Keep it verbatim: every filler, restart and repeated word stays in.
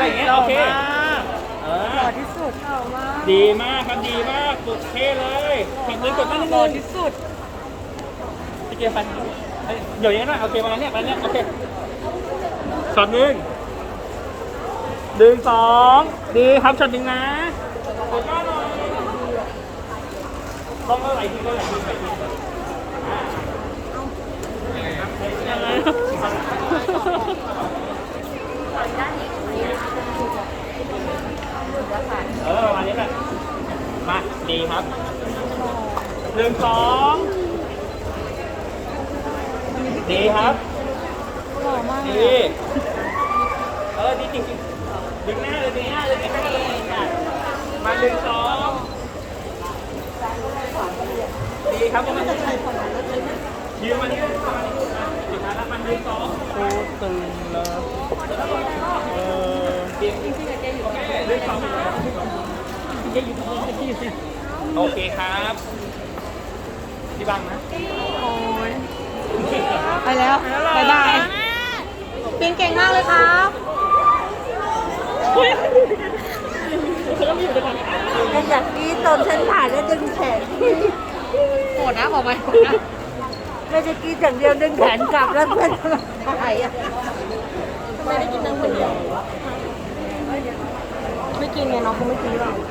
อย่างเงี้ยโอเคเอหล่ออที่สุดหล่อมากดีมากครับดีมากสุดเท่เลยกดมือกดตั้งนิดหล่อนึงที่สุดพี่เกียร์ฟันเดี๋ยวอย่างนี้นะโอเคประมาณนี้ประมาณนี้โอเคช็อตหนึ่งหนึ่งสองดีครับช็อตหนึ่งนะกดหน้าหน่อยต้องเอาไหลทีก็ไหลทีไหลทีเออประมาณนี้แหละมาดีครับหนึ่งสองดีครับหล่อมากเลดียเออดีจริงๆดึงหน้าเลยดึงหน้าเลยดึงหน้าเลยมาหนึ่งสองดีครับประมาณนี้ยืนมานี่ประมาณนี้สุดท้ายแล้วมันหนึ่งสองโคตรตึงเลยเออจริงจริงๆเจ๊อยู่ตรงนี้หนึ่งสองเจ๊อยู่ตรงนี้โอเคครับพี่บังนะโอ้ยไปแล้วบายบายปิงเก่งมากเลยครับยังอยากกี้ตอนฉันถ่ายแล้วดึงแขนโหดนะบอกไปไม่ได้กี้อย่างเดียวดึงแขนกลับแล้วเพื่อนถ่ายอ่ะทำไมได้กินน้ำคนเดียวไม่กินไงน้องคงไม่กินหรอก